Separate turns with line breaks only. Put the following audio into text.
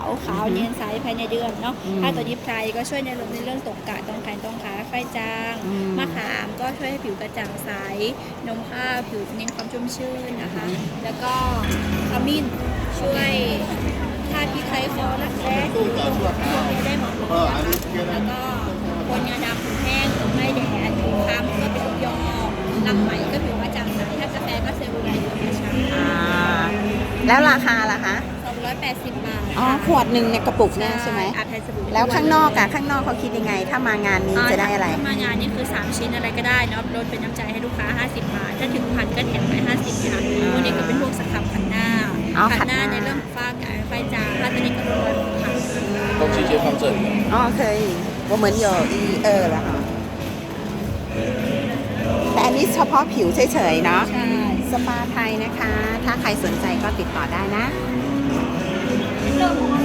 ขาวเนียนใสภายในเดือนเนาะถ้าตัวนี้ไพรก็ช่วยในเรื่องตกกระต้องแขนต้องขาไฟจางมะขามก็ช่วยให้ผิวกระจ่างใสนมข้าวผิวเน้นความชุ่มชื่นนะคะแล้วก็ขมิ้นช่วยธาตุพิษไข้คอรักแร้ที่ตรงกับพวกนี้ได้หมดเลยนะคะแล้วก็คนงาดำผิวแห้งผิวไม่แดดผิวคล้ำก็เป็นลูกยอรังไหมก็ผิวกระจ่างใสถ้ากาแฟก็เซลลูไลท์ธรรมชาติ
แล้วราคาล่ะคะ
280 บาท
อ๋อขวดหนึ่งในกระปุกเนี่ยใช่ไหมแล้วข้างนอกอะข้างนอกเขาคิดยังไงถ้ามางานนี้จะได้อะไร
ถ้ามางานนี่คือ3ชิ้นอะไรก็ได้เนาะลดเป็นน้ำใจให้ลูกค้า50 บาทถ้าถึงพันก็แถมไป50ค่ะพวกนี้ก็เป็นพวกสครับขันหน้าขันหน้าในเรื่องฝ้ากระไฟจางถ้าตัวนี้ก็ลดค่ะ
都直接放这里
อ๋อเคย我们有1、2了哈แต่อันนี้เฉพาะผิวเฉยๆเนาะ
ใช่
สปาไทยนะคะถ้าใครสนใจก็ติดต่อได้นะ
เรื่องของ